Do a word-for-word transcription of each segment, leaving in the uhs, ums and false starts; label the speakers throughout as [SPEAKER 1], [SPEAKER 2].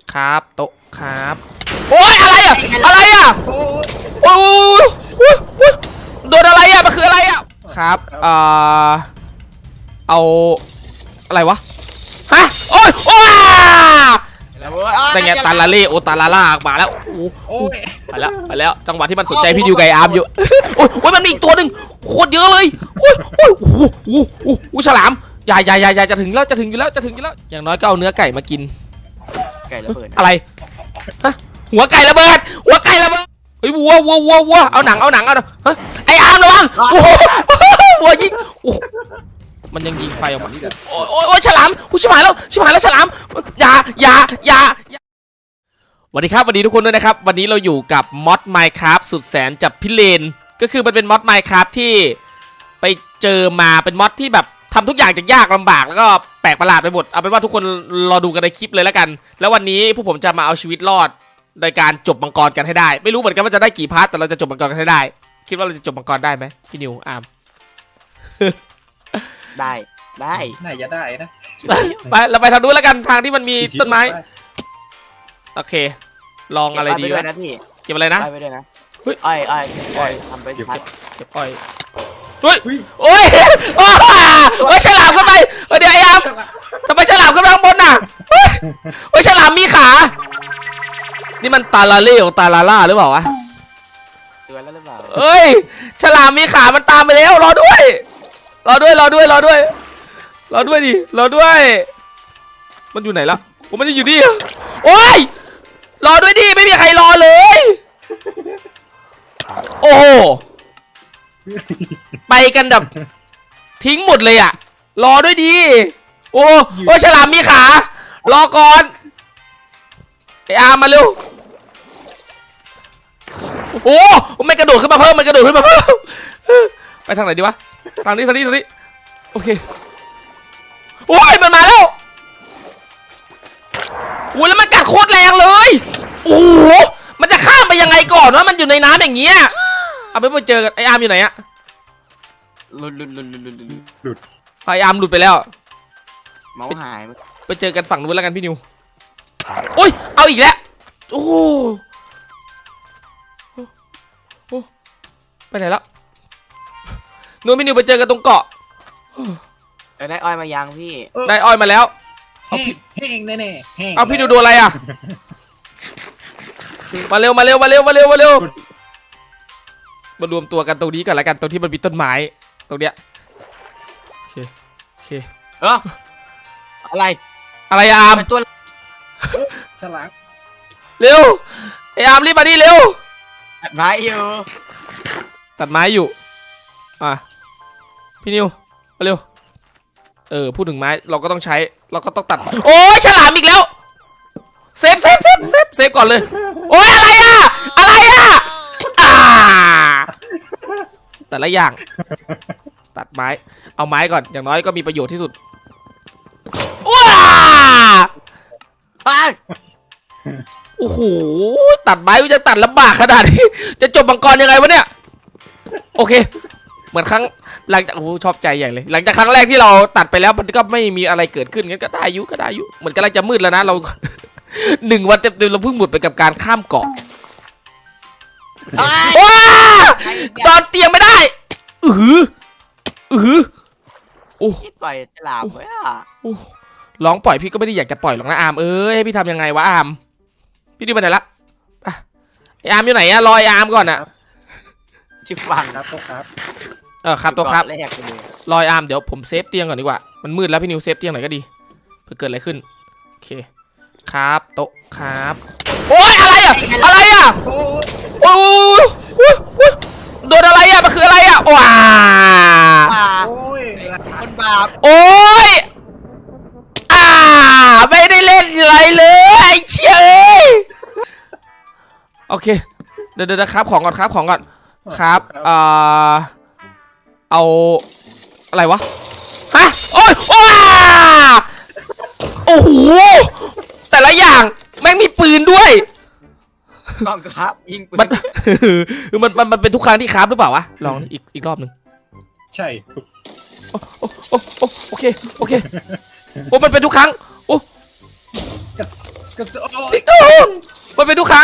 [SPEAKER 1] ครับโต๊ะครับโอ๊ยอะไรอะอะไรอะโอ้ยโดนอะไรอะมันคืออะไรอะครับเอ่อเอาอะไรวะฮะโอ๊ยโอ้ยแต่ไงตาลาเล่โอตาลาล่ามาแล้วไปแล้วไปแล้วจังหวะที่มันสนใจพี่ดิวไก่อาร์มอยู่โอ้ยโอ้ยมันมีอีกตัวหนึ่งโคตรเยอะเลยโอ้ยโอ้ยโอ้โหโอ้โหฉลามใหญ่ใหญ่ใหญ่ใหญ่จะถึงแล้วจะถึงอยู่แล้วจะถึงอยู่แล้วอย่างน้อยก็เอาเนื้อไก่มากิน
[SPEAKER 2] ไก่ระเบิด
[SPEAKER 1] อะไรฮะหัวไก่ระเบิดหัวไก่ระเบิดเฮ้ยวัววัววัววัวเอาหนังเอาหนังเอาฮะไออาร์มระวังโอ้โหวัวยิงโอ้มันยังยิงไฟออกมานี่เลยโอ้ยโอ้ยฉลามกูชิบหายแล้วชิบหายแล้วฉลามอย่าอย่าอย่าสวัสดีครับสวัสดีทุกคนด้วยนะครับวันนี้เราอยู่กับมอด Minecraft สุดแสนจับพิเรนก็คือมันเป็นมอด Minecraft ที่ไปเจอมาเป็นมอดที่แบบทำทุกอย่างจากยากลำบากแล้วก็แปลกประหลาดไปหมดเอาเป็นว่าทุกคนรอดูกันในคลิปเลยแล้วกันแล้ววันนี้พวกผมจะมาเอาชีวิตรอดโดยการจบมังกรกันให้ได้ไม่รู้เหมือนกันว่าจะได้กี่พาร์ทแต่เราจะจบมังกรกันให้ได้คิดว่าเราจะจบมังกรได้ไหมพี่นิวอาร์ม
[SPEAKER 2] ได้ได้
[SPEAKER 3] น่าจะได้นะ
[SPEAKER 1] ไปเราไปทางนู้นแล้วกันทางที่มันมีต้นไม้โอเคลองอะไรดีวะ
[SPEAKER 2] นะพี่
[SPEAKER 1] เก็บอะไรนะ
[SPEAKER 2] ไปด้วยนะอ้อยอ้อยอ้อยทำไปพัด
[SPEAKER 1] เก็บอ้อยเฮ้ยโอ้ยโอ้ยฉลามขึ้นไปเดี๋ยวไอ้อาร์มทำไมฉลามขึ้นไปข้างบนน่ะโอ้ยฉลามมีขานี่มันตาลาเล่ของตาลาล่าหรือเปล่าวะ
[SPEAKER 2] ตัวแล้วหรือเปล่า
[SPEAKER 1] เอ้ยฉลามมีขามันตามไปแล้วรอด้วยรอด้วยรอด้วยรอด้วยรอด้วยดิรอด้วยมันอยู่ไหนล่ะผมมันอยู่นี่โอ้ยรอด้วยดิไม่มีใครรอเลยโอ้โหไปกันแบบทิ้งหมดเลยอ่ะรอด้วยดิโอ้โอ้ฉลามมีขารอก่อนไออาร์มมาเร็วโอ้ไม่กระโดดขึ้นมาเพิ่มมันกระโดดขึ้นมาเพิ่มไปทางไหนดีวะทางนี้ทางนี้ทางนี้โอเคโอ้ยมันมาแล้วโอ้แล้วมันกัดโคตรแรงเลยโอ้โหมันจะข้ามไปยังไงก่อนวะมันอยู่ในน้ำอย่างเงี้ยเอาไปไปเจอกันไออาร์มอยู่ไหนอะ
[SPEAKER 2] หลุดหลุดหลุดหลุดหลุด
[SPEAKER 1] หลุดไออาร์มหลุดไปแล้ว
[SPEAKER 2] เมาส์หาย
[SPEAKER 1] ไปเจอกันฝั่งนู้นแล้วกันพี่นิวโอ้ยเอาอีกแล้วโอ้โหไปไหนแล้วนู้นพี่นิวไปเจอกันตรงเกาะ
[SPEAKER 2] ได้อ้อยมายังพี่
[SPEAKER 1] ได้อ้อยมาแล้ว
[SPEAKER 3] เอาพี่แห้งแน่แน่
[SPEAKER 1] เอาพี่ดูดูอะไรอ่ะมาเร็วมาเร็วมาเร็วมาเร็วมาเร็วมารวมตัวกันตรงนี้ก่อนละกันตรงที่มันมีต้นไม้ตรงเนี้ยโอเคโอเค
[SPEAKER 2] เอออะไร
[SPEAKER 1] อะไรอาร์ม
[SPEAKER 2] ตัว
[SPEAKER 3] ฉลาม
[SPEAKER 1] เร็วไออาร์มรีบมาดิเร็ว
[SPEAKER 2] ตัดไม้อยู่
[SPEAKER 1] ตัดไม้อยู่อ่ะพี่นิวมาเร็วเออพูดถึงไม้เราก็ต้องใช้เราก็ต้องตัดโอ้ยฉลามอีกแล้วเซฟเซฟเซฟเซฟเซฟก่อนเลยโอ้ยอะไรอะอะไรอะอ่าแต่ละอย่างตัดไม้เอาไม้ก่อนอย่างน้อยก็มีประโยชน์ที่สุดว้าโอ้โหตัดไม้จะตัดลำบากขนาดนี้จะจบมังกรยังไงวะเนี่ยโอเคเหมือนครั้งหลังจากโอ้ชอบใจใหญ่เลยหลังจากครั้งแรกที่เราตัดไปแล้วมันก็ไม่มีอะไรเกิดขึ้นงั้นก็ได้ยุก็ได้ยุเหมือนกำลังจะมืดแล้วนะเราหนึ่งวันเต็มๆเราเพิ่งหมดไปกับการข้ามเกาะว้าตอนเตียงไม่ได้อืออือโอ้
[SPEAKER 2] ปล่อยฉลามไว้อะ
[SPEAKER 1] ร้องปล่อยพี่ก็ไม่ได้อยากจะปล่อยหรอกนะอาร์มเอ้ยให้พี่ทำยังไงวะอาร์มพี่ดูไปไหนละไออาร์มอยู่ไหนอะรอไออาร์มก่อนอะ
[SPEAKER 2] ชิฟัง
[SPEAKER 3] ครับครับ
[SPEAKER 1] เออครับตัวครับรอยอาร์มเดี๋ยวผมเซฟเตียงก่อนดีกว่ามันมืดแล้วพี่นิวเซฟเตียงหน่อยก็ดีเผื่อเกิดอะไรขึ้นโอเคครับโต๊ะครับโอ้ยอะไรอะอะไรอะโอ้ยโดนอะไรอะมันคืออะไรอะว้า
[SPEAKER 2] คนบาป
[SPEAKER 1] โอ้ยอ่าไม่ได้เล่นอะไรเลยไอ้เชี่ยโอเคเดี๋ยวเดี๋ยวครับของก่อนครับของก่อนครับเอ่อเอาอะไรวะฮะโอ้ยโอ้โอ้โหแต่ละอย่างแม่งมีปืนด้วย
[SPEAKER 2] ต้องครับยิงปืน
[SPEAKER 1] มันมันมันมันเป็นทุกครั้งที่ครับหรือเปล่าวะลองอีกอีกรอบหนึ่ง
[SPEAKER 3] ใช่
[SPEAKER 1] โอ้โอ้โอ้โอเคโอเคโอ้มันเป็นทุกครั้งโอ้
[SPEAKER 3] กระสกระสโอ้ย
[SPEAKER 1] โอ้มันเป็นทุกครั้ง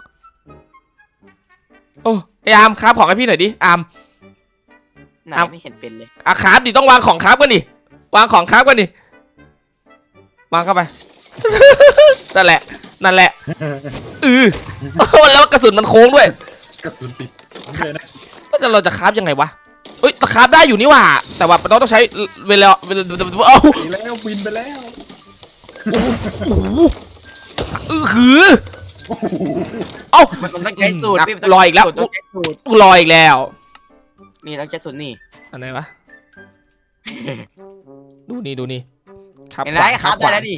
[SPEAKER 1] โอ้ไออาร์มครับของให้พี่หน่อยดิอาร์ม
[SPEAKER 2] ไหนไม่เห็นเป็นเลย
[SPEAKER 1] อาครับดิต้องวางของครับกันดิวางของครับกันดิวางเข้าไป นั่นแหละนั่นแหละเออแล้วกระสุนมันโค้งด้วย
[SPEAKER 3] กระสุนติดเลยนะ
[SPEAKER 1] แล้วเราจะคราฟยังไงวะเอ้ยคราฟได้อยู่นี่หว่าแต่ว่าเราต้องใช้เวลาเวลาเอ้า
[SPEAKER 3] ไปแล้วบินไปแล้ว
[SPEAKER 1] โอ้โหเออหือเอ้า
[SPEAKER 2] มันต้องใช้สูตร
[SPEAKER 1] นัก
[SPEAKER 2] พี่มันต้ง
[SPEAKER 1] รออีกแล้ว
[SPEAKER 2] ต้องใช้สูตร
[SPEAKER 1] ลอยอีกแล้ว
[SPEAKER 2] นี่ต้องใช้สูตรนี่
[SPEAKER 1] อันไหนวะดูนี่ดูนี่ครับ
[SPEAKER 2] เห็นไหมครับได้แล้วดิ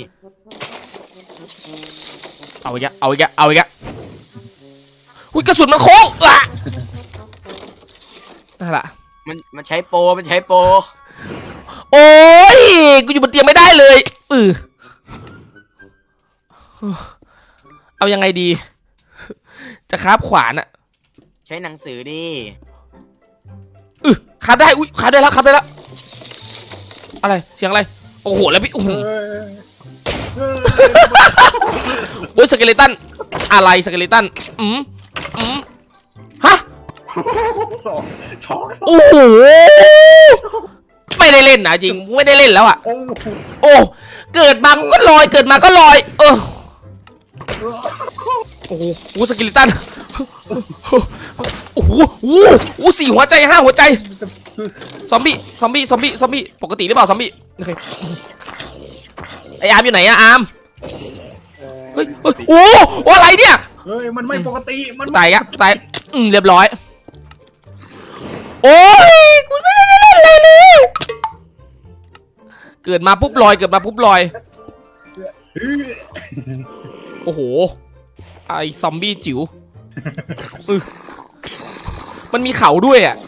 [SPEAKER 1] เอาอีกแล้วเอาอีกแล้วเอาอีกแล้วอุ้ยกระสุนมันโค้งอ่ะนั่นแหละ
[SPEAKER 2] มันมันใช้โปรมันใช้โปร
[SPEAKER 1] โอ้ยกูอยู่บนเตียงไม่ได้เลยเออเอายังไงดี จะคาบขวานอะ
[SPEAKER 2] ใช้หนังสือดิ
[SPEAKER 1] เออคาบได้อุ้ยคาบได้แล้วคาบได้แล้วอะไรเสียงอะไรโอ้โหแล้วพี่โอ้โห
[SPEAKER 3] เฮ้ยเฮ้ย
[SPEAKER 1] โอ้ยสเกเลตันอะไรสเกเลตันอืมอืมฮะ
[SPEAKER 3] สองสอง
[SPEAKER 1] โอ้โหไม่ได้เล่นนะจริงไม่ได้เล่นแล้วอะ
[SPEAKER 3] โอ้
[SPEAKER 1] โอ้เกิดมาก็ลอยเกิดมาก็ลอยเออโอ้โหโอ้สกิลิตันโอ้โหโอ้โหสี่หัวใจห้าหัวใจซอมบี้ซอมบี้ซอมบี้ซอมบี้ปกติหรือเปล่าซอมบี้โอเคไออาร์มอยู่ไหนอะอาร์มเฮ้ยเฮ้ยโอ้โหอะไรเนี่ย
[SPEAKER 3] เฮ้ยมันไม่ปกติมัน
[SPEAKER 1] ตายอะตายอืมเรียบร้อยโอ้ยกูไม่ได้เล่นอะไรเลยเกิดมาปุ๊บลอยเกิดมาปุ๊บลอย
[SPEAKER 3] เฮ้ย
[SPEAKER 1] โอ้โหไอซอมบี้จิ๋วอึมันมีเขาด้วยอ่ะ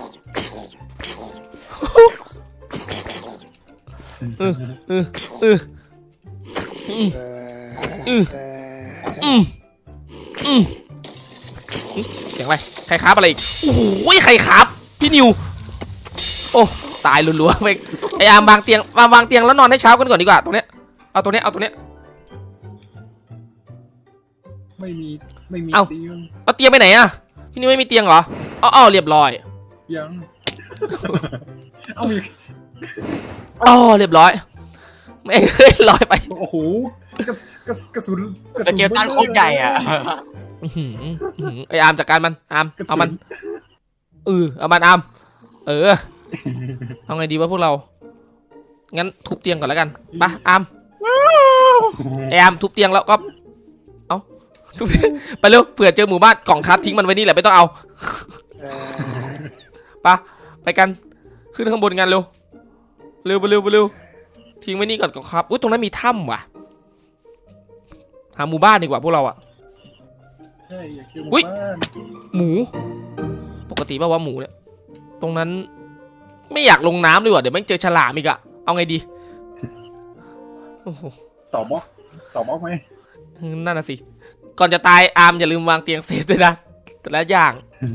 [SPEAKER 1] เออเออเอออืมอืมอืมอืมเสียงอะไรใครครับอะไรอีกโอ้โหใครครับพี่นิวโอ้ตายรัวๆไปไออาร์มวางเตียงวางวางเตียงแล้วนอนให้เช้ากันก่อนดีกว่าตรงเนี้ยเอาตัวเนี้ยเอาตัวเนี้ย
[SPEAKER 3] ไม่มีไม่มี
[SPEAKER 1] เอ้า
[SPEAKER 3] เตียง
[SPEAKER 1] เอาเตียงไปไหนอะพี่นิวไม่มีเตียงเหรออ๋ออ๋อเรียบร้อย
[SPEAKER 3] ยังเอามี
[SPEAKER 1] อ๋อเรียบร้อยไม่เคยลอยไป
[SPEAKER 3] โอ้โหกระกระกระสุนกระ
[SPEAKER 2] ส
[SPEAKER 3] สุน
[SPEAKER 2] เกลตันโคตรใหญ่อ่ะ
[SPEAKER 1] อื้อหืออื้อหือไออาร์มจัดการมันอาร์มเอามันเออเอามันอาร์มเออเอาไงดีวะพวกเรางั้นทุบเตียงก่อนแล้วกันไปอาร์มไออาร์มทุบเตียงแล้วก็เอาทุบเตียงไปเร็วเผื่อเจอหมู่บ้านกล่องคัสทิ้งมันไว้นี่แหละไม่ต้องเอาไปไปกันขึ้นข้างบนกันเร็วเร็วไปเร็วไปเร็วทิ้งไว้นี่ก่อนกล่องครับอุ้ยตรงนั้นมีถ้ำว่ะหาหมู่บ้านดีกว่าพวกเราอะ
[SPEAKER 3] ใช่อยากเจอห
[SPEAKER 1] อุ๊
[SPEAKER 3] มู่
[SPEAKER 1] ย
[SPEAKER 3] บ้าน
[SPEAKER 1] หมูปกติป่าวว่าหมูเนี่ยตรงนั้นไม่อยากลงน้ำเลยว่ะเดี๋ยวแม่งเจอฉลามอีกอะเอาไงดีโอ้โห
[SPEAKER 3] ตอบบล็อกตอบบล็อกไหม
[SPEAKER 1] นั่นน่ะสิก่อนจะตายอาร์มอย่าลืมวางเตียงเซฟด้วยนะแต่ละอย่าง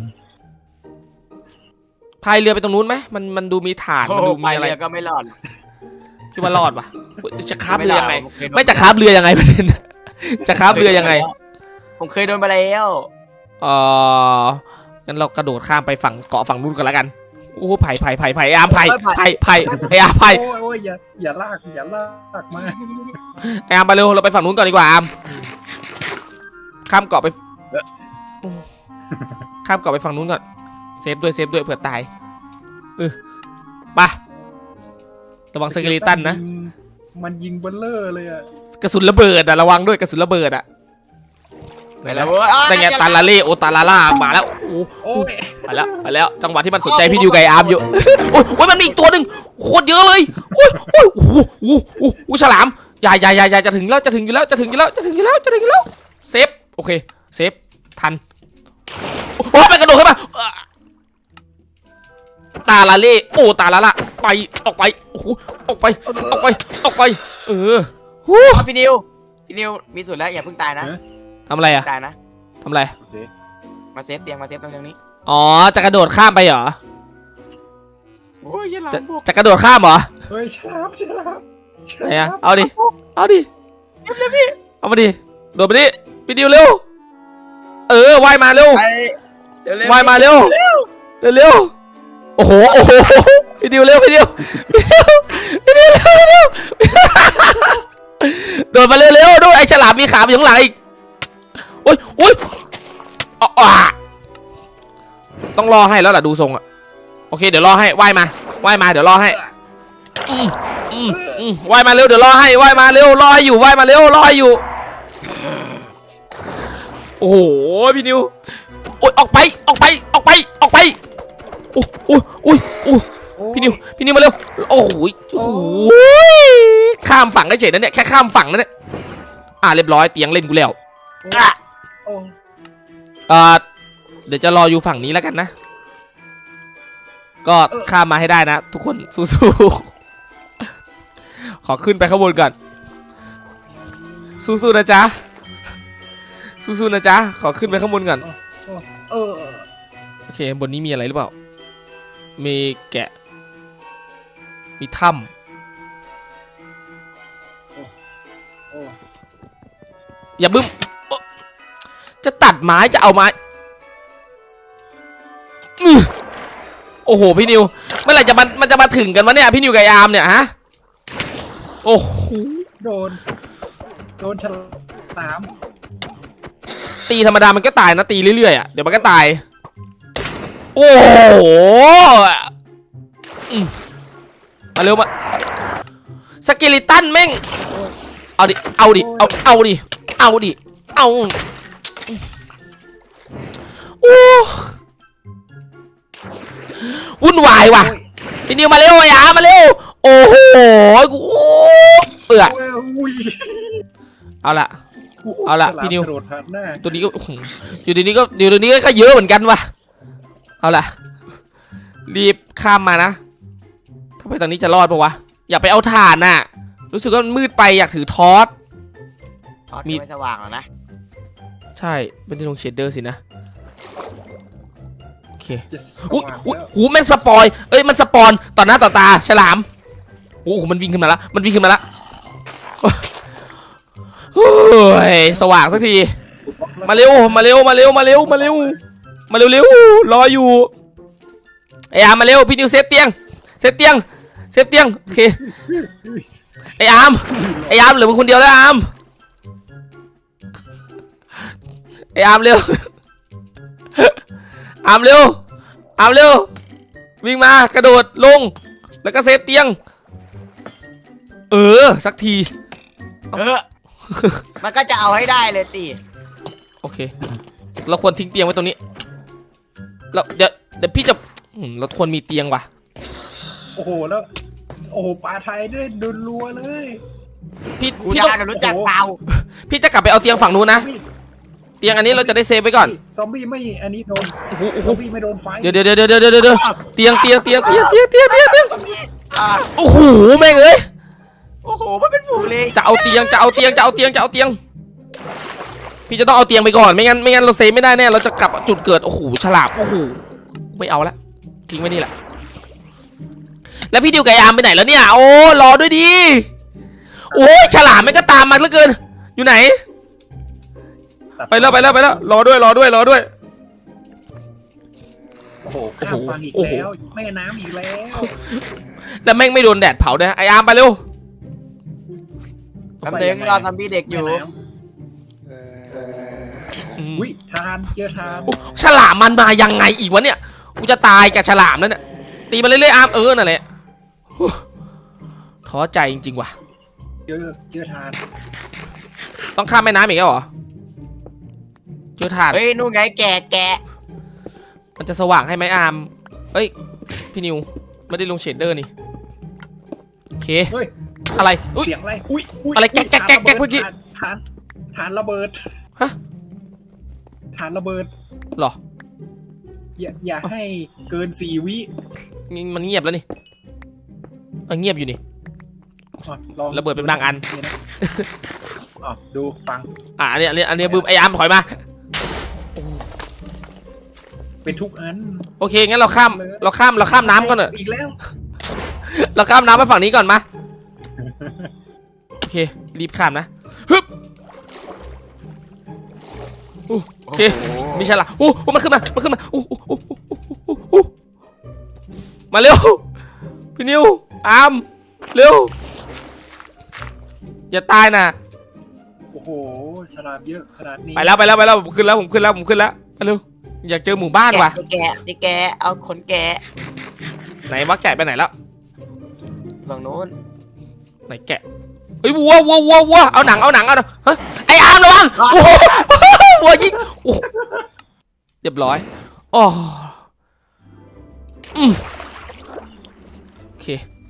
[SPEAKER 1] พายเรือไปตรงนู้นไหมมันมันดูมีฐาน
[SPEAKER 2] โอ้
[SPEAKER 1] มันดู
[SPEAKER 2] ไป
[SPEAKER 1] มีอะไร
[SPEAKER 2] เรือก็ไม่รอด
[SPEAKER 1] คิดว่ารอดปะจะคาบเรือยังไง
[SPEAKER 2] ผมเคยโดน
[SPEAKER 1] ไม่จะคาบเรือยังไงประเด็นจะคาบเรือยังไง
[SPEAKER 2] ผมเคยโดนมาแล้ว
[SPEAKER 1] เอองั้นเรากระโดดข้ามไปฝั่งเกาะฝั่งนู้นกันแล้วกันโอ้ไผ่ไผ่ไผ่ไผ่อาร์มไผ่ไผ่ไผ่ไอ้อาร์มไผ่
[SPEAKER 3] โอ้ยโอ้ยอย่าอย่าลากอย่าลากมา
[SPEAKER 1] ไอ้อาร์มไปเร็วเราไปฝั่งนู้นก่อนดีกว่าอาร์มข้ามเกาะไปข้ามเกาะไปฝั่งนู้นก่อนเซฟด้วยเซฟด้วยเผื่อตายเออไประวังสเกเลตันนะ
[SPEAKER 3] มันยิงเบลเลอร์เลยอะ
[SPEAKER 1] กระสุนระเบิดอะระวังด้วยกระสุนระเบิดอะ
[SPEAKER 2] ไปแล้วเว้ย
[SPEAKER 1] แต่ไงตาลาเล่โอตาลาล่ามาแล้วโอ้
[SPEAKER 3] โอ้ย
[SPEAKER 1] ไปแล้วไปแล้วจังหวะที่มันสนใจพี่ดิวกับไอ้อาร์มอยู่โอ้ยโอ้ยมันมีอีกตัวหนึ่งโคตรเยอะเลยโอ้ยโอ้ยโอ้โหโอ้โหโอ้โหฉลามใหญ่ใหญ่ใหญ่ใหญ่จะถึงแล้วจะถึงอยู่แล้วจะถึงอยู่แล้วจะถึงอยู่แล้วจะถึงอยู่แล้วเซฟโอเคเซฟทันโอ้ยมันกระโดดขึ้นมาตาลาเล่โอตาลาล่าไปออกไปโอ้โหออกไปออกไปออกไปเออฮู้
[SPEAKER 2] เอาพี่นิวพี่นิวมีสูตรแล้วอย่าเพิ่งตายนะ
[SPEAKER 1] ทำอะไรอะ
[SPEAKER 2] ตายนะ
[SPEAKER 1] ทำอะไร
[SPEAKER 3] โอเค
[SPEAKER 2] มาเซฟเตียงมาเซฟตรงนี้
[SPEAKER 1] อ๋อจะกระโดดข้ามไปเหรอ
[SPEAKER 2] โอ้ยยันหลั
[SPEAKER 1] จะ
[SPEAKER 2] งบวก
[SPEAKER 1] จะกระโดดข้ามเหรอ
[SPEAKER 3] เฮ้ยฉลามฉลามฉ
[SPEAKER 1] ไหน
[SPEAKER 3] ลา
[SPEAKER 1] อะ
[SPEAKER 3] ม
[SPEAKER 1] เอาดิเอาดิเอามาดิโดดไปดิพี่ดิวเร็วเออว่ายมาเร็ว
[SPEAKER 2] ไปเดี๋ยวเร็ว
[SPEAKER 1] ว่ายมาเร็วเร็วเร็วโอ้โหโอ้โหพี่ดิวเร็วพี่ดิวพี่ดิวพี่ดิวเร็วเร็วโดดมาเร็วเร็วด้วยไอ้ฉลามมีขาอยู่ข้างหลังอีกโอ้ยโอ้ยอ๋อต้องรอให้แล้วล่ะดูทรงอะโอเคเดี๋ยวรอให้ว่ายมาว่ายมาเดี๋ยวรอให้อืมอืมอืมว่ายมาเร็วเดี๋ยวรอให้ว่ายมาเร็วรอให้อยู่ว่ายมาเร็วรอให้อยู่โอ้โหพี่นิวโอ้ยออกไปออกไปออกไปออกไปโอ้โอ้ยโอ้ยโอ้ยพี่นิวพี่นิวมาเร็วโอ้โหโอ้โหข้ามฝั่งได้เฉยนะเนี่ยแค่ข้ามฝั่งนั่นเนี่ยอ่าเรียบร้อยเตียงเล่นกูแล้วอ่ะ
[SPEAKER 3] โอ้
[SPEAKER 1] อ่าเดี๋ยวจะรออยู่ฝั่งนี้แล้วกันนะก็ข้ามมาให้ได้นะทุกคนสู้ๆขอขึ้นไปข้างบนก่อนสู้ๆนะจ๊ะสู้ๆนะจ๊ะขอขึ้นไปข้างบนก่อน
[SPEAKER 3] เออ
[SPEAKER 1] โอเคบนนี้มีอะไรหรือเปล่ามีแกะมีถ้
[SPEAKER 3] โอ้
[SPEAKER 1] ำอย่าบึ้มโอ๊ะจะตัดไม้จะเอาไม้อื้อโอ้โหพี่นิวเมื่อไหร่จะมันมันจะมาถึงกันวะเนี่ยพี่นิวกับยามเนี่ยฮะโอ้โห
[SPEAKER 3] โดนโดนฉลาม
[SPEAKER 1] ตีธรรมดามันก็ตายนะตีเรื่อยๆอ่ะเดี๋ยวมันก็ตายโอ้โหอืมมาเร็วมาสเกลิตันแม่งเอาดิเอาดิเอาเอาดิเอาดิเอาโอ้วุ่นวายว่ะพี่นิวมาเร็วไอ้อามาเร็วโอ้โหกูเอือ
[SPEAKER 3] อุ้ย
[SPEAKER 1] เอาละเอาละพี่นิว
[SPEAKER 3] กระโดดผ่านหน้า
[SPEAKER 1] ตัวนี้ก็อยู่ดีนี้ก็อยู่ดีนี้ก็เยอะเหมือนกันว่ะเอาล่ะรีบข้ามมานะถ้าไปตอนนี้จะรอดปะวะอย่าไปเอาถ่านน่ะรู้สึกว่ามันมืดไปอยากถือทอส
[SPEAKER 2] มี
[SPEAKER 1] มี
[SPEAKER 2] ไม่สว่างหรอกนะ
[SPEAKER 1] ใช่เป็นที่ลงเชดเดอร์สินะโอเค
[SPEAKER 3] จะส
[SPEAKER 1] อุ้ย
[SPEAKER 3] ว่าง
[SPEAKER 1] อุ้ย
[SPEAKER 3] แล้ว
[SPEAKER 1] หูมันสปอยเอ้ยมันสปอนต่อหน้าต่อตาฉลามโอ้โหมันวิ่งขึ้นมาแล้วมันวิ่งขึ้นมาแล้วโอ้ยสว่างสักทีมาเร็วมาเร็วมาเร็วมาเร็วมาเร็วมาเร็วเร็วรออยู่ไอ้อาร์มมาเร็วพี่นิวเซฟเตียงเซฟเตียงเซฟเตียงโอเคไอ้อาร์มไอ้อาร์มเหลือมึงคนเดียวแล้วอาร์มไอ้อาร์มเร็วอาร์มเร็วอาร์มเร็ววิ่งมากระโดดลงแล้วก็เซฟเตียงเออสักที
[SPEAKER 2] เออมันก็จะเอาให้ได้เลยตี
[SPEAKER 1] โอเคเราควรทิ้งเตียงไว้ตรงนี้เราเดี๋ยวเดี๋ยวพี่จะอืมเราควรมีเตียงว่ะ
[SPEAKER 3] โอ้โหแล้วโอ้โหปลาไทยด้วยโดนรัวเลย
[SPEAKER 1] พี่
[SPEAKER 2] กู
[SPEAKER 1] พี่
[SPEAKER 2] ดา
[SPEAKER 1] ต้อง
[SPEAKER 2] วรู้จักเตา
[SPEAKER 1] พี่จะกลับไปเอาเตียงฝั่งนู้นนะเตียงอันนี้เราจะได้เซฟไว้ก่อน
[SPEAKER 3] ซอมบี้ไม่อันนี้โดน
[SPEAKER 1] โอ้โหโอ้โห
[SPEAKER 3] ซอมบี้ไม่โดนไฟ
[SPEAKER 1] เดี๋ยวเดี๋ยวเดี๋ยวเดี๋ยวเดี๋ยวเดี๋ยวเตียงเตียงเตียงเตียงเตียงเตียงเตียงเตียง
[SPEAKER 2] อ่า
[SPEAKER 1] โอ้โหแม่งเอ้ย
[SPEAKER 2] โอ้โหมันเป็นฝูงเลย
[SPEAKER 1] จะเอาเตียงจะเอาเตียงจะเอาเตียงจะเอาเตียงพี่จะต้องเอาเตียงไปก่อนไม่งั้นไม่งั้นเราเซฟไม่ได้แน่เราจะกลับจุดเกิดโอ้โหฉลาบโอ้โหไม่เอาละทิ้งไว้นี่แหละแล้วพี่ดิวกับยามไปไหนแล้วเนี่ยโอ้รอด้วยดีโอ้ยฉลามมันก็ตามมาเหลือเกินอยู่ไหนไปแล้วไปแล้วไปแล้วรอด้วยรอด้วยรอด้วย
[SPEAKER 3] โอ้โหข้ามฟังอีก
[SPEAKER 1] โอ้โห
[SPEAKER 3] แล้วแม่น้ำอีกแล้ว
[SPEAKER 1] แล้วแม่งไม่โดนแดดเผาด้วยไออาร์มไปเร็ว
[SPEAKER 2] แป๊บนึงรอซอมบี้เด็กอยู่
[SPEAKER 3] แม่น้ำ
[SPEAKER 1] อืม
[SPEAKER 3] อุ้ยทานเจอทาน
[SPEAKER 1] โอ้ฉลามมันมายังไงอีกวะเนี่ยกูจะตายกับฉลามนั่นน่ะตีมาเรื่อยๆอาร์มเออนั่นแหละโอ้ท้อใจจริงๆว่ะ
[SPEAKER 3] เจอเจอทาน
[SPEAKER 1] ต้องข้ามแม่น้ำอีกแล้วเหรอเจอถ่าน
[SPEAKER 2] เฮ้ยนู่นไงแกะแกะ
[SPEAKER 1] มันจะสว่างให้ไหมอาร์มเอ้ยพี่นิวไม่ได้ลงเชดเดอร์นี่โอเค
[SPEAKER 3] เฮ้ย
[SPEAKER 1] อะไรอุ้ย
[SPEAKER 3] เสียงอะไรอุ้ยย
[SPEAKER 1] อะไรแก๊กแก๊กแก๊กแก๊กเมื่อกี้
[SPEAKER 3] ทานทานระเบิด
[SPEAKER 1] ฮะ
[SPEAKER 3] ทานระเบิด
[SPEAKER 1] เหรอ
[SPEAKER 3] อย่าอย่าให้เกินสี่วิ
[SPEAKER 1] นี่มันเงียบแล้วนี่เออเงียบอยู่นี่
[SPEAKER 3] อ่ะลอง
[SPEAKER 1] ระเบิดเป็นบางอัน
[SPEAKER 3] นี่นะอ่ะดูฟัง
[SPEAKER 1] อ่ะอันเนี้ยอันเนี้ยอันเนี้ยบึ้มไออาร์มถอยมา
[SPEAKER 3] เป็นทุกอัน
[SPEAKER 1] โอเคงั้นเราข้ามเราข้ามเราข้ามน้ำก่อนเถอะ
[SPEAKER 3] อีกแล้ว
[SPEAKER 1] เราข้ามน้ำไปฝั่งนี้ก่อนมาโอเครีบข้ามนะฮึบอู้โอเคมีฉลามอู้มันขึ้นมามันขึ้นมาอู้อู้อู้อู้อู้มาเร็วพี่นิวอามเร็วอย่าตายนะ
[SPEAKER 3] โอ้โหฉลามเยอะขนาดนี้
[SPEAKER 1] ไปแล้วไปแล้วไปแล้วผมขึ้นแล้วผมขึ้นแล้วผมขึ้นแล้วมาเร็วอยากเจอหมู่บ้านว่ะ
[SPEAKER 2] แกะไอ้แกะเอาขนแกะ
[SPEAKER 1] ไหนวะแกะไปไหนแล้ว
[SPEAKER 2] ฝั่งโน้น
[SPEAKER 1] ไหนแกะเฮ้ยวัววัววัววัวเอาหนังเอาหนังเอาหนังฮะไอ้อามระวังโอ้โหวัวยิงโอ้เรียบร้อยอ๋ออืมโอเค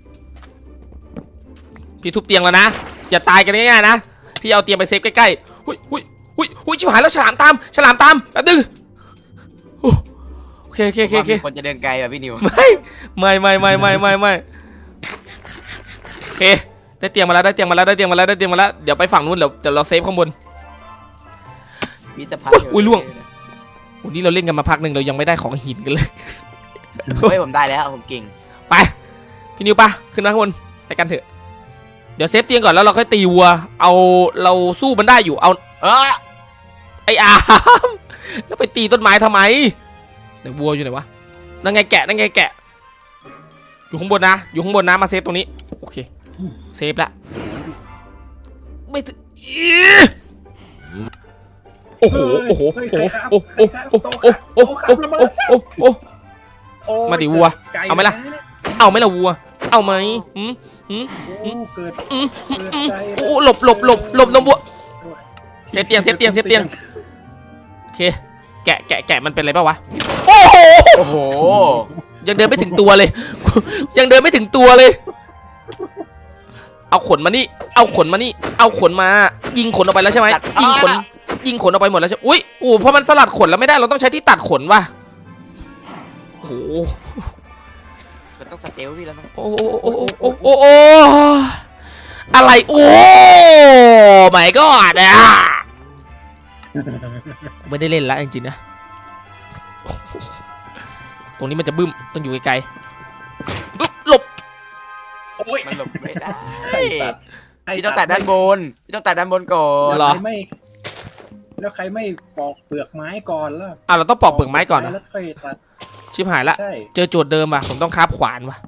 [SPEAKER 1] พี่ทุบเตียงแล้วนะอย่าตายกันง่ายๆนะพี่เอาเตียงไปเซฟใกล้ๆหุ้ยหุ้ยหุ้ยหุ้ยชิบหายแล้วฉลามตามฉลามตามแป๊บนึงโอเคโอเคโอเคโอเค
[SPEAKER 2] คนจะเดินไกลแบบพี่นิว
[SPEAKER 1] ไม่ไม่ไม่ไม่ไม่ไม่ไม่โอเคได้เตียงมาแล้วได้เตียงมาแล้วได้เตียงมาแล้วได้เตียงมาแล้วเดี๋ยวไปฝั่งนู้นเดี๋ยวเดี๋ยวเราเซฟข้างบน
[SPEAKER 2] มีสะพาน
[SPEAKER 1] อุ้ยล่วง วันนี้เราเล่นกันมาพักหนึ่งเรายังไม่ได้ของหินกันเลย
[SPEAKER 2] เฮ้ยผมได้แล้วผมเก่ง
[SPEAKER 1] ไปพี่นิวปะขึ้นมาข้างบนไปกันเถอะเดี๋ยวเซฟเตียงก่อนแล้วเราค่อยตีวัวเอาเราสู้มันได้อยู่เอา
[SPEAKER 2] เออ
[SPEAKER 1] ไอ้อามแล้วไปตีต้นไม้ทำไมไหนวัวอยู่ไหนวะนั่นไงแกะนั่นไงแกะอยู่ข้างบนนะอยู่ข้างบนนะมาเซฟตรงนี้โอเคเซฟละไม่ถึงโอ้โหโอ้โหโอ้โหโอ้โหโอ้โหโอ้โหโอ้โหโอ้โหโอ้โห
[SPEAKER 3] โอ้ย
[SPEAKER 1] มาดิวัว
[SPEAKER 3] ไกล
[SPEAKER 1] เอาไหมล่ะ เอาไหมล่ะวัวเอาไหมหืมหืม
[SPEAKER 3] โอ้เกิด
[SPEAKER 1] อืม
[SPEAKER 3] เกิด
[SPEAKER 1] อืม
[SPEAKER 3] ใจ
[SPEAKER 1] โอ้หลบหลบหลบหลบหลบวัวเซฟเตียงเซฟเตียงเซฟเตียงโอเคแกะแกะแกะมันเป็นอะไรป่าวะโอ้โห
[SPEAKER 2] โอ้โห
[SPEAKER 1] ยังเดินไม่ถึงตัวเลย ยังเดินไม่ถึงตัวเลย เอาขนมานี่เอาขนมานี่เอาขนมา ยิงขนออกไปแล้วใช่ไหมยิงขนยิงขนออกไปหมดแล้วใช่อุ้ยโอ้เพราะมันสลัดขนแล้วไม่ได้เราต้องใช้ที่ตัดขนว่ะโอ้โห
[SPEAKER 2] ก็ต้องสเตลพี่แล้วมั้ง
[SPEAKER 1] โอ้โอ้โอ้โอ้โอ้โอ้อะไรโอ้ไม่ก็อ่ะไม่ได้เล่นแล้วจริงๆนะตรงนี้มันจะบึ้มต้องอยู่ไกลๆบึ้มหลบ
[SPEAKER 3] โอ้ย
[SPEAKER 2] มันหลบไม่ได้
[SPEAKER 3] ใครตัดใคร
[SPEAKER 2] พี่ต้องตัดด้านบนพี่ต้องตัดด้านบนก่อน
[SPEAKER 1] เหรอ
[SPEAKER 3] ใครไม่แล้วใครไม่ปอกเปลือกไม้ก่อนล่ะ
[SPEAKER 1] อ่ะเราต้องปอกเปลือกไม้ก่อนนะ
[SPEAKER 3] แล้วค่อยตัด
[SPEAKER 1] ชิบหายละ
[SPEAKER 3] ใช่
[SPEAKER 1] เจอโจทย์เดิมว่ะผมต้องคาบขวานว่ะ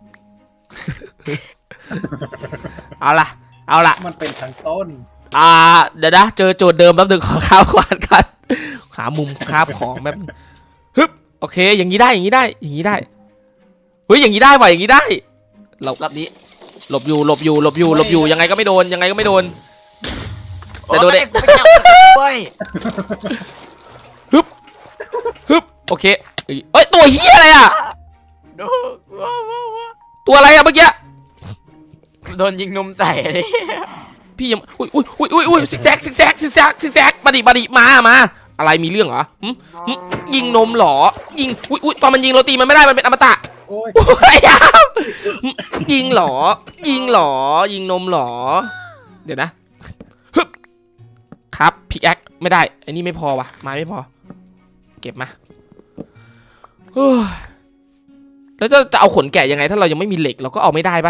[SPEAKER 1] เอาล่ะเอาล่ะ
[SPEAKER 3] มันเป็นทางต้น
[SPEAKER 1] อ่าเดี๋ยวนะเจอโจทย์เดิมแป๊บนึงขอคาบขวานกันหามุมคาบของแป๊บนึงฮึบโอเคอย่างนี้ได้อย่างนี้ได้อย่างนี้ได้เฮ้ยอย่างนี้ได้ว่ะอย่างนี้ได้เรา
[SPEAKER 2] รอบนี้
[SPEAKER 1] หลบอยู่หลบอยู่หลบอยู่หลบอยู่ยังไงก็ไม่โดนยังไงก็ไม่โดน แต่โดน
[SPEAKER 2] โอ้
[SPEAKER 1] ได้
[SPEAKER 2] ยกูไปจับเว้ย
[SPEAKER 1] ฮึบฮึบโอเคเอ้ยเอ้ยตัวเฮียอะไรอ่ะ
[SPEAKER 2] ดูว้าวว้าวว้าว
[SPEAKER 1] ตัวอะไรอ่ะเมื่อกี้
[SPEAKER 2] โดนยิงนมใส่เลย
[SPEAKER 1] พี่ยังอุ้ยอุ้ยอุ้ยอุ้ยอุ้ยซิกแซกซิกแซกซิกแซกซิกแซกมาดิมาดิมามาอะไรมีเรื่องเหรอหึหึยิงนมเหรอยิงอุ้ยอุ้ยตอนมันยิงโรตีมันไม่ได้มันเป็นอมตะ
[SPEAKER 3] โอ้ย
[SPEAKER 1] โอ้ยอ่ะหึยิงเหรอยิงเหรอยิงนมเหรอเดี๋ยวนะฮึบครับพิกแอคไม่ได้ไอ้นี่ไม่พอว่ะไม้ไม่พอเก็บมาเฮ้ยแล้วจะจะเอาขนแกะยังไงถ้าเรายังไม่มีเหล็กเราก็เอาไม่ได้ปะ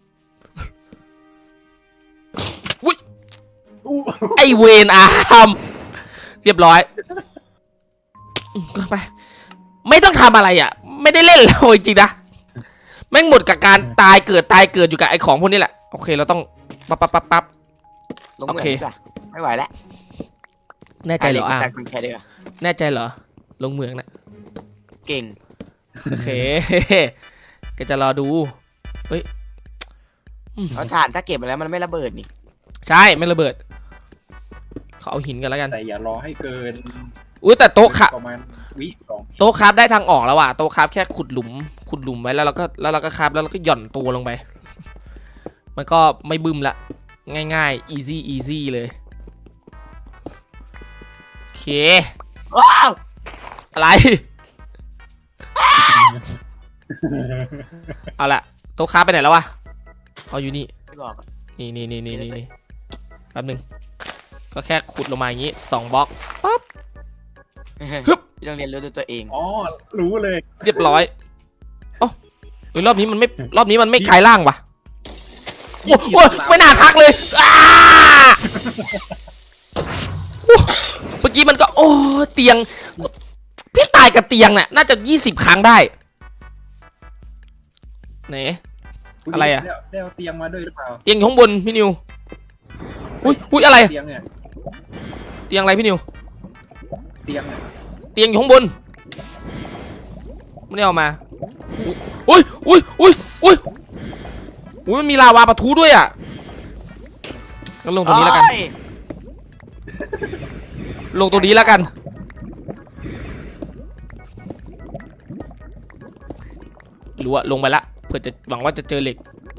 [SPEAKER 3] อู้
[SPEAKER 1] ไอเวนอาร์มเรียบร้อยอืมก็ไปไม่ต้องทำอะไรอ่ะ ไม่ได้เล่นแล้วจริงๆนะแม่งหมดกับการตายเกิดตายเกิดอยู่กับไอของพวกนี้แหละโอเคเราต้องปั๊บปั๊บปั๊บปั๊บ
[SPEAKER 2] ลงเหมือนดีกว่าไม่ไหวแล้ว
[SPEAKER 1] แน่ใจเหรออาร์
[SPEAKER 2] ตั
[SPEAKER 1] ม
[SPEAKER 2] ดคุณแค่เดียว
[SPEAKER 1] แน่ใจเหรอลงเมืองนะ
[SPEAKER 2] เก่ง
[SPEAKER 1] โอเค ก็จะรอดูเฮ้ยอืม
[SPEAKER 2] เอาถ่านถ้าเก็บมาแล้วมันไม่ระเบิดนี่
[SPEAKER 1] ใช่ไม่ระเบิดขอเอาหินกันแล้วกัน
[SPEAKER 3] แต่อย่ารอให้เกิน
[SPEAKER 1] อุ้ยแต่โต๊ะค่ะ
[SPEAKER 3] ประมาณวิสอง
[SPEAKER 1] โต๊ะคราฟได้ทางออกแล้วว่ะโต๊ะคราฟแค่ขุดหลุมขุดหลุมไว้แล้วเราก็แล้วเราก็คราฟแล้วเราก็หย่อนตัวลงไป มันก็ไม่บึ้มละง่ายๆ easy easy เลยโอเค
[SPEAKER 2] ว้าว
[SPEAKER 1] อะไร เอาละโต๊ะคราฟไปไหนแล้ววะเอาอยู่นี่
[SPEAKER 2] ไม่บอกอะ
[SPEAKER 1] นี่นี่นี่นี่นี่แป๊บหนึงก็แค่ขุดลงมาอย่างงี้สองบล็อกปั๊บ ฮึบ
[SPEAKER 2] พี่ต้องเรียนรู้ด้วยตัวเอง
[SPEAKER 3] อ๋อรู้เลย
[SPEAKER 1] เรียบร้อยอ๋อเฮ้ยรอบนี้มันไม่รอบนี้มันไม่กลายร่างว่ะโอ้โหไม่น่าทักเลยอ้าโอ้เมื่ออกี้มันก็โอ้เตียงพี่ตายกับเตียงเนี่ยน่าจะยี่สิบครั้งได้ไหนอะไรอะ
[SPEAKER 3] ได้เอาเตียงมาด้วยหรือเปล่า
[SPEAKER 1] เตียงอยู่ข้างบนพี่นิวอุ้ยอุ้ยอะไร
[SPEAKER 3] เตียงเนี่ย
[SPEAKER 1] เตียงอะไรพี่นิว
[SPEAKER 3] เตียงเนี่ย
[SPEAKER 1] เตียงอยู่ข้างบนไม่ได้เอามาอุ้ยอุ้ยอุ้ยอุ้ยอุ้ยมันมีลาวาปะทุด้วยอ่ะงั้นลงตรงนี้แล้วกัน
[SPEAKER 2] โอ้ย
[SPEAKER 1] ลงตรงนี้แล้วกันหรือว่าลงไปละเพื่อจะหวังว่าจะเจอเหล็ก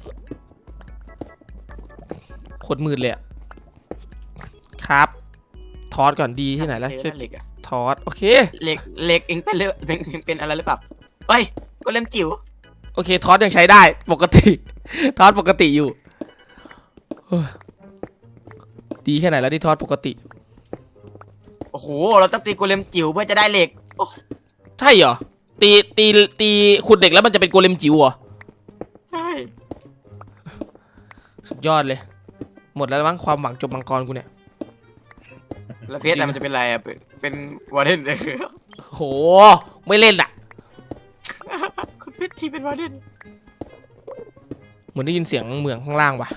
[SPEAKER 1] โคตรมืดเลยอะครับทอสก่อนดีที่ไหนแล้ว
[SPEAKER 2] เออ
[SPEAKER 1] ช่วย
[SPEAKER 2] นั่นเหล็กอะ
[SPEAKER 1] ทอสโอเค
[SPEAKER 2] เหล็กเหล็กเองเป็นเรื่องเป็นเป็นอะไรหรือเปล่าเฮ้ยก็เล่มจิ๋ว
[SPEAKER 1] โอเคทอสยังใช้ได้ปกติทอสปกติอยู่เฮ้ยดีแค่ไหนแล้วที่ทอสปกติ
[SPEAKER 2] โอ้โหเราต้องตีโกเลมจิ๋วเพื่อจะได้เหล็กโอ้
[SPEAKER 1] ใช่เหรอตีตีตีขุดเหล็กแล้วมันจะเป็นโกเลมจิ๋วเหรอ
[SPEAKER 2] ใช่
[SPEAKER 1] สุดยอดเลยหมดแล้วมั้งความหวังจบมังกรกูเนี่ย
[SPEAKER 2] แล้วเพชรอะไรมันจะเป็นอะไรอะเป็นเป็นวอร์เดนเลย
[SPEAKER 1] โหไม่เล่นอะ
[SPEAKER 2] คุณเพชรทีเป็นวอร์เดน
[SPEAKER 1] เหมือนได้ยินเสียงเหมืองข้างล่างว่ะ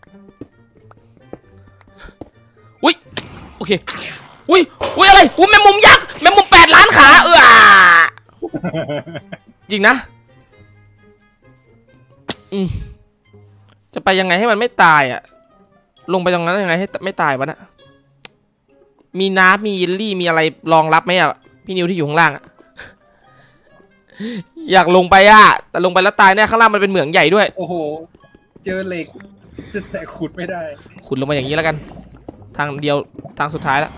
[SPEAKER 1] อุ้ยโอเคอุ้ยอุ้ยอะไรอุ้ยแมงมุมยักษ์แมงมุมแปดล้านขาเออจริงนะอืมจะไปยังไงให้มันไม่ตายอ่ะลงไปตรงนั้นยังไงให้ไม่ตายวะน่ะมีน้ำมีเยลลี่มีอะไรรองรับไหมอ่ะพี่นิวที่อยู่ข้างล่างอ่ะอยากลงไปอ่ะแต่ลงไปแล้วตายแน่ข้างล่างมันเป็นเหมืองใหญ่ด้วย
[SPEAKER 3] โอ้โหเจอเหล็กจะแต่ขุดไม่ได้
[SPEAKER 1] ขุดลงมาอย่างนี้แล้วกันทางเดียวทางสุดท้ายแล้ว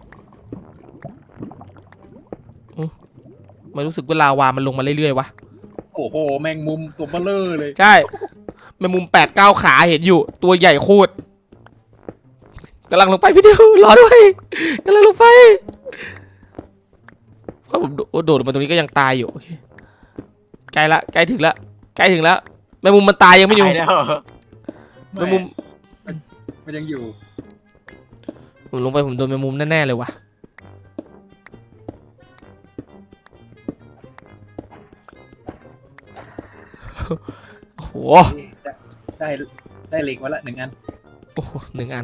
[SPEAKER 1] ไม่รู้สึกว่าลาวามันลงมาเรื่อยๆวะ
[SPEAKER 3] โอ้โหแมงมุมตัวเบลอเลย
[SPEAKER 1] ใช่แมงมุมแปดเก้าขาเห็นอยู่ตัวใหญ่โคตรกำลังลงไปพี่เดียวรอด้วยกำลังลงไปถ้าผมโดดลงมาตรงนี้ก็ยังตายอยู่โอเคใกล้ละใกล้ถึงละใกล้ถึงแล้วแมงมุมมันตายยังไม่อยู่
[SPEAKER 2] ตายแล้ว
[SPEAKER 1] แมงมุม
[SPEAKER 3] มันยังอยู่
[SPEAKER 1] ผมลงไปผมโดนแมงมุมแน่ๆเลยว่ะโอ้โห
[SPEAKER 3] ได้ได้เหล็กมาละหนึ่งอัน
[SPEAKER 1] โอ้โหหนึ่งอัน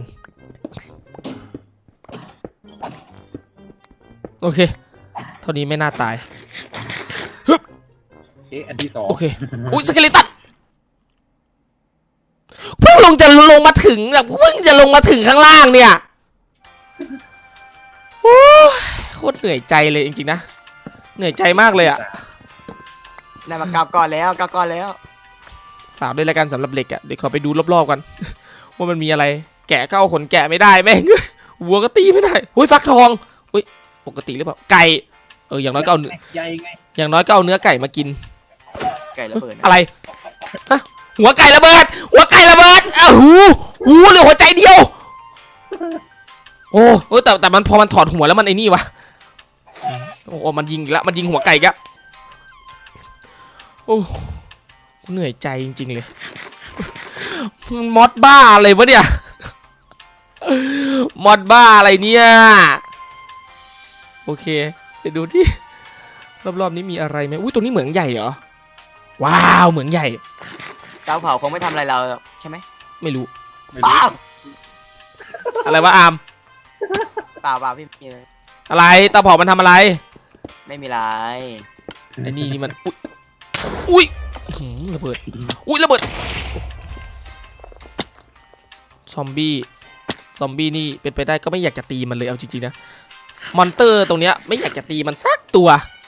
[SPEAKER 1] โอเคเท่านี้ไม่น่าตาย
[SPEAKER 3] เอ๊ะอันที่สอง
[SPEAKER 1] โอเคอุ้ยสเกเลตันเพิ่งลงจะลงมาถึงแบบเพิ่งจะลงมาถึงข้างล่างเนี่ยโอ้ยโคตรเหนื่อยใจเลยจริงๆนะเหนื่อยใจมากเลยอ่ะ
[SPEAKER 2] ได้มาเก้าก้อนแล้วเก้าก้อนแล้ว
[SPEAKER 1] ฝากด้วยแล้วกันสำหรับเหล็กอ่ะเดี๋ยวขอไปดูรอบๆกัน ว่ามันมีอะไรแกะก็เอาขนแกะไม่ได้แม่ง วัวก็ตีไม่ได้อุ้ยฟักทองอุ้ยปกติหรือเปล่าไก่เอออย่างน้อยก็เอาเนื้อ
[SPEAKER 3] ใหญ่ไง
[SPEAKER 1] อย่างน้อยก็เอาเนื้อไก่มากิน
[SPEAKER 2] ไก่ระเบิดนะ
[SPEAKER 1] อะไรฮะหัวไก่ระเบิดหัวไก่ระเบิดอ้าวหูหูเหลือหัวใจเดียวโอ้เออแต่แต่มันพอมันถอดหัวแล้วมันไอ้นี่วะโอ้มันยิงอีกแล้วมันยิงหัวไก่อีกแล้วโอ้เหนื่อยใจจริงๆเลยมันมอดบ้าอะไรวะเนี่ยมอดบ้าอะไรเนี่ยโอเคไปดูที่รอบๆนี้มีอะไรไหมอุ้ยตัวนี้เหมืองใหญ่เหรอว้าวเหมืองใหญ่
[SPEAKER 2] เตาเผาคงไม่ทำอะไรเราใช่ไหม
[SPEAKER 1] ไม่รู้
[SPEAKER 3] ไม่รู้
[SPEAKER 2] อ้าว
[SPEAKER 1] อะไรวะอาม
[SPEAKER 2] เปล่าเปล่าพี่มีอะไร
[SPEAKER 1] อะไรตาเผามันทำอะไร
[SPEAKER 2] ไม่มีอะไร
[SPEAKER 1] ไอ้นี่นี่มันอุ้ยอุ้ยหืมระเบิดอุ้ยระเบิดซอมบี้ซอมบี้นี่เป็นไปได้ก็ไม่อยากจะตีมันเลยเอาจริงๆนะมอนเตอร์ตรงเนี้ยไม่อยากจะตีมันสักตัว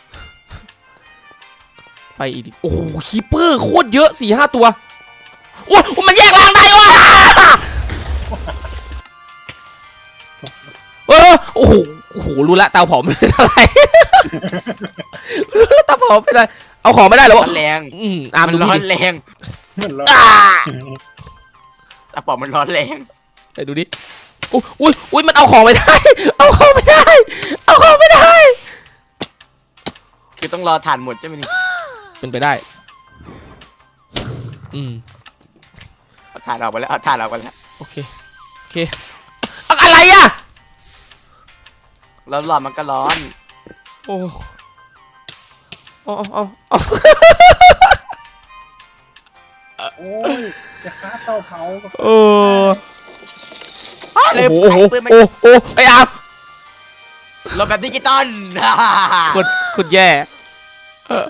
[SPEAKER 1] ไปอีกดิโอ้โหคีเปอร์โคตรเยอะสี่ห้าตัวโอ้ยมันแยกล่างได้วะเออโอ้โหโอ้โหรู้ละเตาเผาไม่เป็นอะไรรู้ละเตาเผาเป็นอะไรเอาของไม่ได้หรอ
[SPEAKER 2] ร้
[SPEAKER 1] วะ
[SPEAKER 2] อนแรง
[SPEAKER 1] อืมอาร์ม
[SPEAKER 2] มัน
[SPEAKER 1] ดู
[SPEAKER 2] ร้อน
[SPEAKER 1] ดิ
[SPEAKER 2] แรง
[SPEAKER 3] มันร้อน
[SPEAKER 1] อ่า
[SPEAKER 2] เตาเผามันร้อนแรง
[SPEAKER 1] ไปดูดิอุ้ยอุ้ยอุ้ยมันเอาของไม่ได้ เอาของไม่ได้ เอาของไม่ได้
[SPEAKER 2] คือต้องรอถ่านหมดใช่ไหมนี่
[SPEAKER 1] เป็นไปได้ อืม
[SPEAKER 2] เอาถ่านออกไปแล้วเอาถ่านออกไปแล้ว
[SPEAKER 1] โอเค โอเคอะอะไรอ่ะ
[SPEAKER 2] แล้วหลอดมันก็ร้อน
[SPEAKER 1] โอ้โอ้โอ้โอ้
[SPEAKER 3] โอ้ยจะฆ่าเตาเผาก็
[SPEAKER 1] เออ
[SPEAKER 2] เลย
[SPEAKER 1] โอ้โห
[SPEAKER 2] ปืนมัน
[SPEAKER 1] โอ้โหไอ้อาร์ม
[SPEAKER 2] หลบแบบดิจิตอล
[SPEAKER 1] กดกดแย่เออ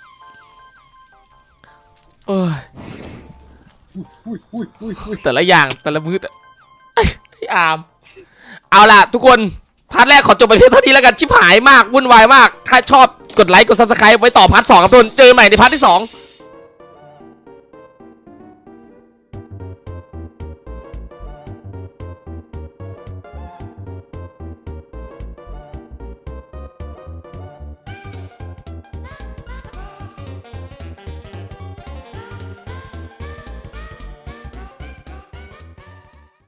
[SPEAKER 1] เออ
[SPEAKER 3] อุ้ยอุ้ยอุ้ยอุ้ย
[SPEAKER 1] แต่ละอย่างแต่ละมือแต่ไอ้อาร์มเอาล่ะทุกคนพาร์ทแรกขอจบไปเพียงเท่านี้แล้วกันชิบหายมากวุ่นวายมากถ้าชอบกดไลค์กดซับสไครป์ไว้ต่อพาร์ทสองครับทุกคนเจอกันใหม่ในพาร์ทที่สอง